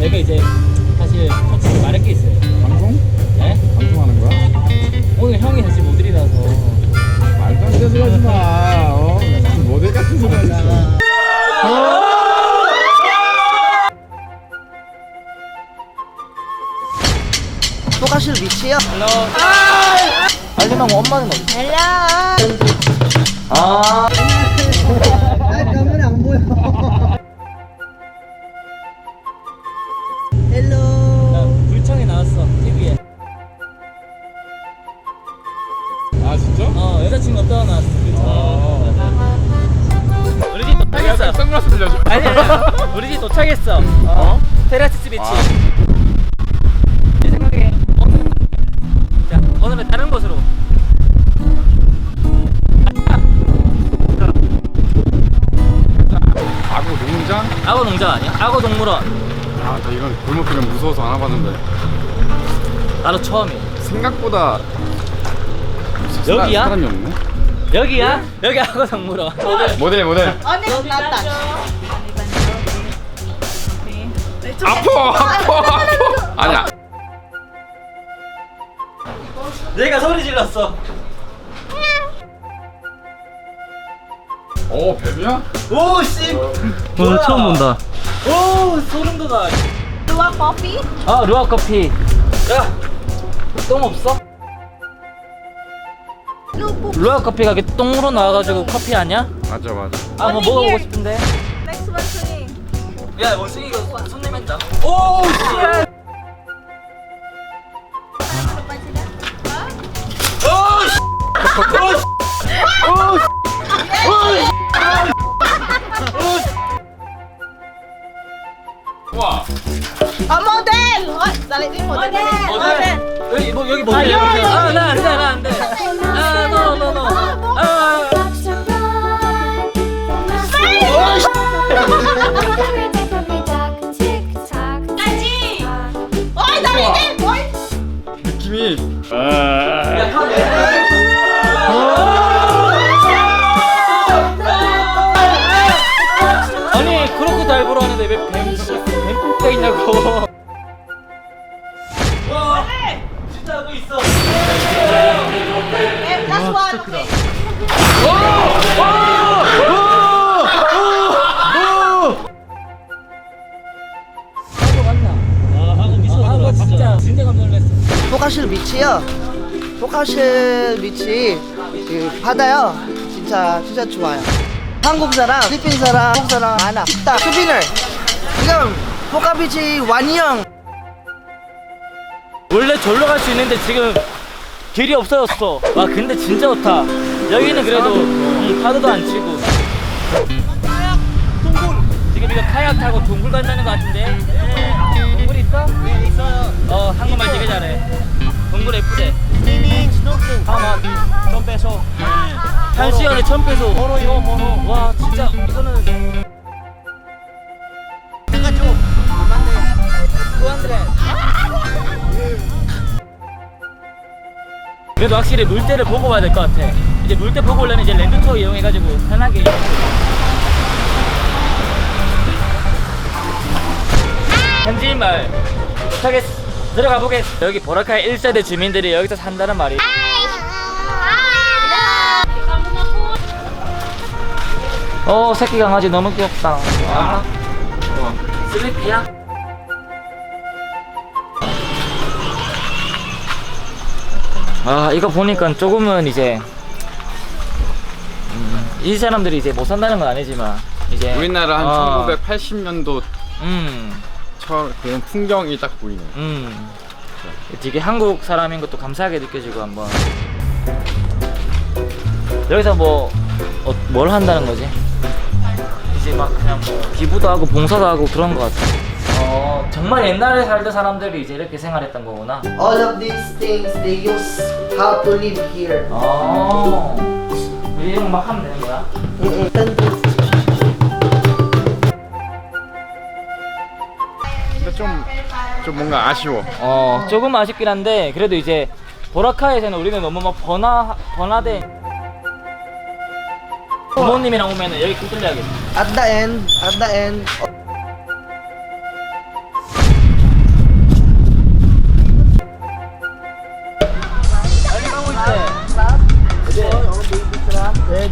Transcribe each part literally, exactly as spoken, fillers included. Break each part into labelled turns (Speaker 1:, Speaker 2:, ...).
Speaker 1: 내가 이제 사실 솔직히 말할 게 있어요.
Speaker 2: 방송?
Speaker 1: 네?
Speaker 2: 방송하는 거야?
Speaker 1: 오늘 형이 사실 모델이라서.
Speaker 2: 말도 안 되는 소리 하지 마. 어? 무슨 모델 같은 소리 하지 마.
Speaker 3: 또 가실 위치요?
Speaker 1: 헬로.
Speaker 3: 알림하고 엄마는 어디? 헬로.
Speaker 1: 아.
Speaker 3: 아, 카메라 안 보여. 헬로.
Speaker 1: 나 불청에 나왔어. 티비에.
Speaker 2: 아 진짜?
Speaker 1: 어, 여자친구 없다가 나왔어. 불청에.
Speaker 2: 어.
Speaker 1: 우리 집 도착했어.
Speaker 2: 선글라스 빌려줘.
Speaker 1: 아니 아니. 우리 집 도착했어. 어? 테라스 비치.
Speaker 2: 아.
Speaker 1: 내 생각에 오늘 자 오늘은 다른 곳으로.
Speaker 2: 아구 농장?
Speaker 1: 악어 농장 아니야? 악어 동물원.
Speaker 2: 아, 나 이런 골목길은 무서워서 안 와봤는데
Speaker 1: 나도 처음이야.
Speaker 2: 생각보다
Speaker 1: 여기야?
Speaker 2: 사, 사람이 없네.
Speaker 1: 여기야? 여기 악어 동물원.
Speaker 2: 모델 모델.
Speaker 3: 언니 나다.
Speaker 2: 아파 아파 아파. 아니야.
Speaker 1: 내가 소리 질렀어.
Speaker 2: 오 뱀이야?
Speaker 1: 오 씨. 오늘 처음 본다. 오 소름 돋아.
Speaker 4: Luwak coffee?
Speaker 1: 아 루아 커피. 야, 똥 없어? 루아 커피가 이렇게 똥으로 나와가지고 커피 아니야?
Speaker 2: 맞아 맞아.
Speaker 1: 아 뭐
Speaker 4: Only
Speaker 1: 먹어보고
Speaker 4: here.
Speaker 1: 싶은데.
Speaker 4: Next one swimming.
Speaker 1: 야 원숭이 이거 손 내면 다. 오 씨.
Speaker 2: 와.
Speaker 4: Oh, model! Oh, dali din model.
Speaker 1: 모델. 여기 뭐 여기 모델. 아나 안돼 나 안돼. 아 노노노. 아.
Speaker 4: Aji! Oy, dali din! Oy!
Speaker 2: 느낌이.
Speaker 1: 야, 아니 그렇게 다이브로 하는데 왜 뱀, 뱀가 있냐고. 와 진짜 하고 있어.
Speaker 4: Eh, last one. Okay.
Speaker 1: 하고 맞나? 아 하고 미소 하고 진짜 진짜 깜짝 놀랐어.
Speaker 3: 또 가실 위치요? 또 가실 위치 그 바다요. 진짜 진짜 좋아요. 한국 사람, 필리핀 사람, 한국 사람 많아. 식당, 수빈을 지금 포카비치 완영.
Speaker 1: 원래 절로 갈 수 있는데 지금 길이 없어졌어. 와 근데 진짜 좋다. 여기는 그래도 음, 파도도 안 치고. 지금 이거 카약 타고 동굴 간다는 것 같은데. 네. 동굴 있어? 네 있어요. 어 한국말 되게 잘해. 동굴 예쁘대. 하마 천 페소. 한 시간에 천 페소. 모노요 모노. 와 진짜 이거는. 내가 좀 이백삼십. 그래도 확실히 물때를 보고 봐야 될 것 같아. 이제 물때 보고 오려면 이제 랜드 투어 이용해가지고 편하게. 현지인 마을 도착했어. 들어가 보겠어. 여기 보라카이 일 세대 주민들이 여기서 산다는 말이. 어 새끼 강아지 너무 귀엽다. 와. 슬리피야? 아 이거 보니까 조금은 이제 음, 이 사람들이 이제 못 산다는 건 아니지만 이제
Speaker 2: 우리나라 한
Speaker 1: 어,
Speaker 2: 천구백팔십 년도
Speaker 1: 음,
Speaker 2: 처 그런 풍경이 딱 보이네.
Speaker 1: 음 되게 한국 사람인 것도 감사하게 느껴지고 한번 여기서 뭐 어, 뭘 한다는 거지? 이제 막 그냥 뭐 기부도 하고 봉사도 하고 그런 것 같아. 어 정말 옛날에 살던 사람들이 이제 이렇게 생활했던 거구나.
Speaker 3: All of these things they use how to live here.
Speaker 1: 어 이런 거 막 하면 되는 거야?
Speaker 3: 응, 응.
Speaker 2: 근데 좀, 좀 뭔가 아쉬워.
Speaker 1: 어 조금 아쉽긴 한데 그래도 이제 보라카이에서는 우리는 너무 막 번화 번화돼. 부모님이랑 오면은 여기 좀 들려야겠다.
Speaker 3: At the end, at the end.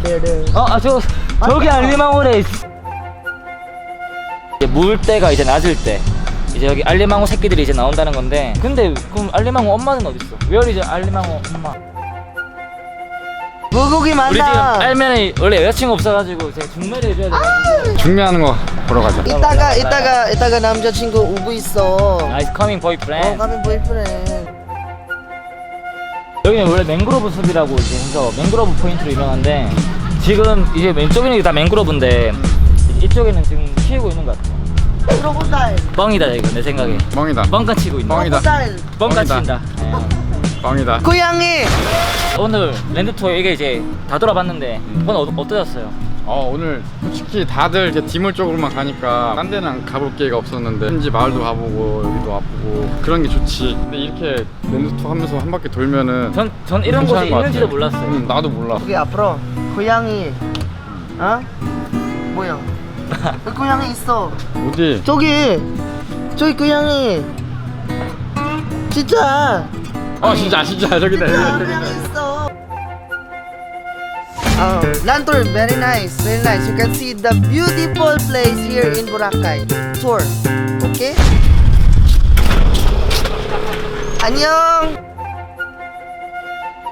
Speaker 3: there, there.
Speaker 1: 어, 아, 저, 저기 알리망호래. 이제 물 때가 이제 낮을 때. 이제 여기 알리망호 새끼들이 이제 나온다는 건데. 근데 그럼 알리망호 엄마는 어딨어? Where is 알리망호 엄마?
Speaker 3: 물고기
Speaker 1: 우리 지금
Speaker 3: 많다.
Speaker 1: 알면은 원래 여자친구 없어가지고 제가 중매를 해줘야 돼.
Speaker 2: 중매하는 거 보러 가자.
Speaker 3: 이따가 이따가 이따가 남자친구 오고 있어.
Speaker 1: Nice coming
Speaker 3: 어,
Speaker 1: boyfriend.
Speaker 3: 가면 보이프렌.
Speaker 1: 여기는 원래 맹그로브 숲이라고 이제 해서 맹그로브 포인트로 유명한데 지금 이제 왼쪽에는 다 맹그로브인데 이쪽에는 지금 키우고 있는 것 같아.
Speaker 3: 크로코다일.
Speaker 1: 뻥이다 이거 내 생각에.
Speaker 2: 멍이다.
Speaker 1: 뻥까 치고 있는.
Speaker 2: 뻥이다.
Speaker 3: 크로코다일.
Speaker 1: 뻥까
Speaker 2: 뻥이다.
Speaker 1: 친다. 예.
Speaker 2: 뻥이다.
Speaker 3: 고양이.
Speaker 1: 오늘 랜드 투어 이게 이제 다 돌아봤는데 오늘 어, 어떠셨어요?
Speaker 2: 어 오늘 솔직히 다들 이제 디몰 쪽으로만 가니까 딴 데는 가볼 기회가 없었는데 현지 마을도 가보고 여기도 와보고 그런 게 좋지. 근데 이렇게 랜드 투어 하면서 한 바퀴 돌면은
Speaker 1: 전, 전 이런 곳이
Speaker 2: 괜찮은 것
Speaker 1: 있는지도
Speaker 2: 같아.
Speaker 1: 몰랐어요.
Speaker 2: 응, 나도 몰라.
Speaker 3: 여기 앞으로 고양이. 어? 뭐야? 그 고양이 있어.
Speaker 2: 어디?
Speaker 3: 저기 저기 고양이. 진짜.
Speaker 2: 어 진짜 진짜 저기다
Speaker 3: 진짜
Speaker 2: 저기다.
Speaker 3: 고양이 있어. 어, Lantur, very nice, very nice. You can see the beautiful place here in Boracay. Tour, okay? 안녕.